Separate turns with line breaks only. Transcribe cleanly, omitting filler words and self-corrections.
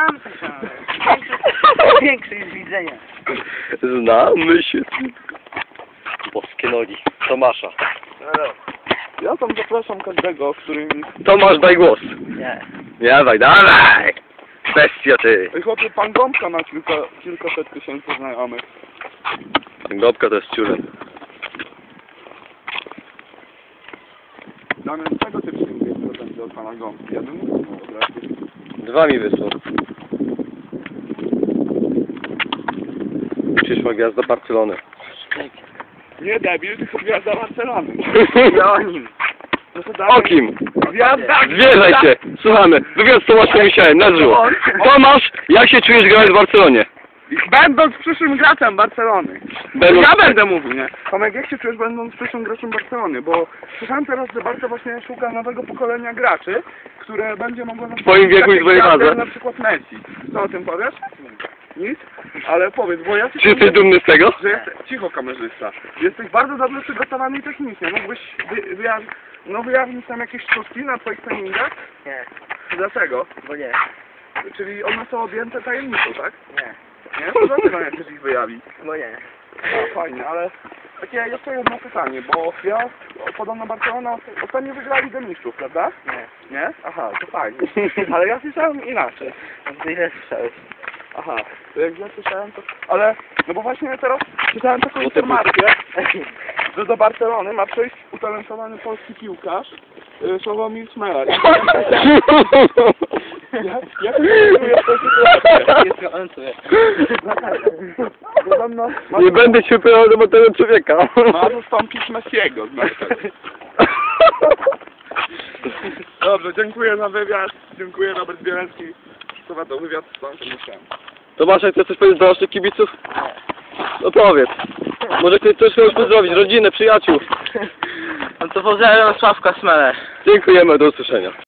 Tamte się. Większe jest widzenia.
Znamy się. Boskie nogi. Tomasza.
Ja tam zapraszam każdego, który mi...
Tomasz, daj głos.
Nie.
Dawaj, dawaj. Bestia ty.
Ej, chłopie, pan Gąbka ma kilkaset tysięcy znajomych.
Gąbka to jest ciurem.
Damian, czego ty przyjmujesz prezenty od pana Gąbki? Ja bym mówił, dobra?
2 mi wysłał. Przyszła gwiazda Barcelony.
Nie debil, tylko gwiazda Barcelony.
No o nim.
No to Damian...
O kim?
Gwiazda!
Zwierzaj się. Słuchamy. Wywiad z Tomaszem Misiałem. Na żywo. Tomasz, jak się czujesz grając w Barcelonie?
Będąc przyszłym graczem Barcelony.
Będąc-
Ja będę mówił, nie? Tomek, jak się czujesz będąc przyszłym graczem Barcelony? Bo słyszałem teraz, że Barca właśnie szuka nowego pokolenia graczy, które będzie mogło...
W twoim wieku i w twojej wadze.
Na przykład Messi. Co o tym powiesz? Nic? Ale powiedz, bo ja...
Czy jesteś dumny z tego?
Że cicho, kamerzysta. Jesteś bardzo dobrze przygotowany i technicznie. Mógłbyś wyjaśnić tam jakieś sztuczki na twoich treningach?
Nie.
Dlaczego?
Bo nie.
Czyli one są objęte tajemnicą, tak?
Nie.
Nie? To dlaczego nie chcesz ich wyjawić?
Bo nie.
No fajnie, ale takie jeszcze jedno pytanie, bo ja podobno Barcelona ostatnio wygrała Ligę Mistrzów, prawda?
Nie.
Nie? Aha, to fajnie. Ale ja słyszałem inaczej.
Ty ile słyszałeś?
Aha, to jak ja słyszałem to... Ale, no bo właśnie teraz czytałem taką informację, że do Barcelony ma przyjść utalentowany polski piłkarz Sławomir Szmelar. Jak czujesz tę sytuację?
Jest gorący.
Podobno
Nie będę się pytał do tego człowieka.
ma zastąpić Messiego, znaczy. Dobrze, dziękuję za wywiad. Dziękuję, Robert Bielecki. Przeprowadzał wywiad z panem Tomaszem.
Tomasz, jak chcesz coś powiedzieć do naszych kibiców? No powiedz. Może ktoś coś chciał pozdrowić, rodzinę, przyjaciół.
No to pozdrawiam Sławka Smelę.
Dziękujemy, do usłyszenia.